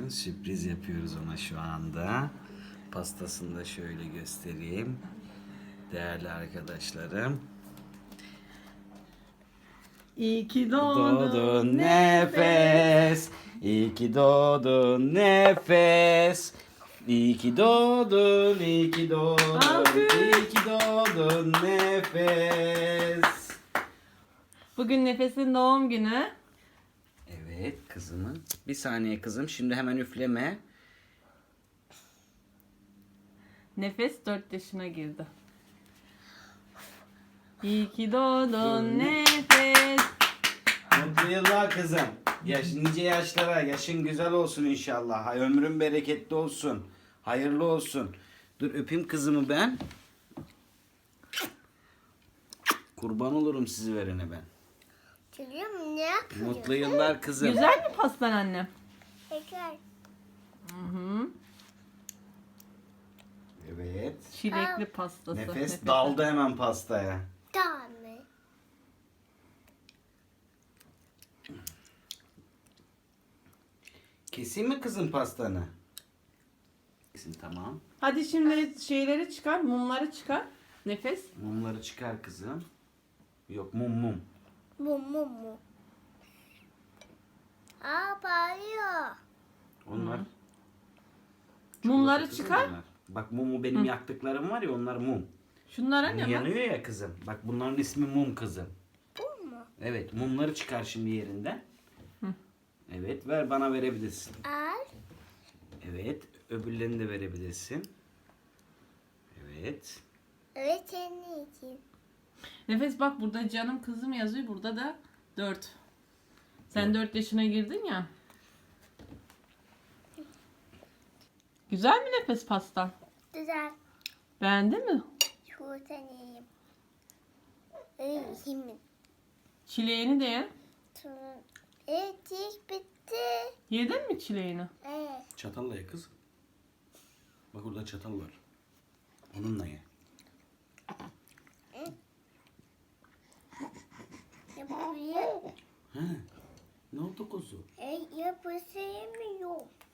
Sürpriz yapıyoruz ona şu anda. Pastasını da şöyle göstereyim. Değerli arkadaşlarım. İyi ki doğdun Doğdun nefes. nefes. İyi ki doğdun nefes. İyi ki doğdun, iyi ki doğdun, Alkış. iyi ki doğdun nefes. Bugün Nefes'in doğum günü. Evet kızımın. Bir saniye kızım, şimdi hemen üfleme. Nefes 4 yaşına girdi. İyi ki doğdun Nefes. Mutlu yıllar kızım. Nice yaşlara, yaşın güzel olsun inşallah. Ömrün bereketli olsun. Hayırlı olsun. Dur öpeyim kızımı ben. Kurban olurum sizi verene ben. Çocuğum ne yapıyor? Mutlu yıllar kızım. Güzel mi pastan annem? Şeker. Hı-hı. Evet. Çilekli pastası. Nefes daldı hemen pastaya. Tamam. Keseyim mi kızım pastanı? Kesin tamam. Hadi şimdi şeyleri çıkar, mumları çıkar. Nefes. Mumları çıkar kızım. Yok mum. Mu. Aa bağırıyor. Onlar. Mumları çikolata kızım çıkar. onlar. Bak mumu benim yaktıklarım var ya, onlar mum. Şunlara ne var? Yanıyor ya kızım. Bak bunların ismi mum kızım. Bu mu? Evet mumları çıkar şimdi yerinden. Evet ver, bana verebilirsin. Al. Evet öbürlerini de verebilirsin. Evet. Evet senin için. Nefes bak, burada canım kızım yazıyor, burada da 4. Sen 4 yaşına girdin ya. Güzel mi Nefes pastan? Güzel. Beğendin mi? Şu tanıyayım. Şimdi. Çileğini de ye. Evet iş bitti. Yedin mi çileğini? Evet. Çatalla ye kız. Bak orada çatal var. Onunla ye. Yapayım. He. Ne oldu kuzu? Yapışamıyorum.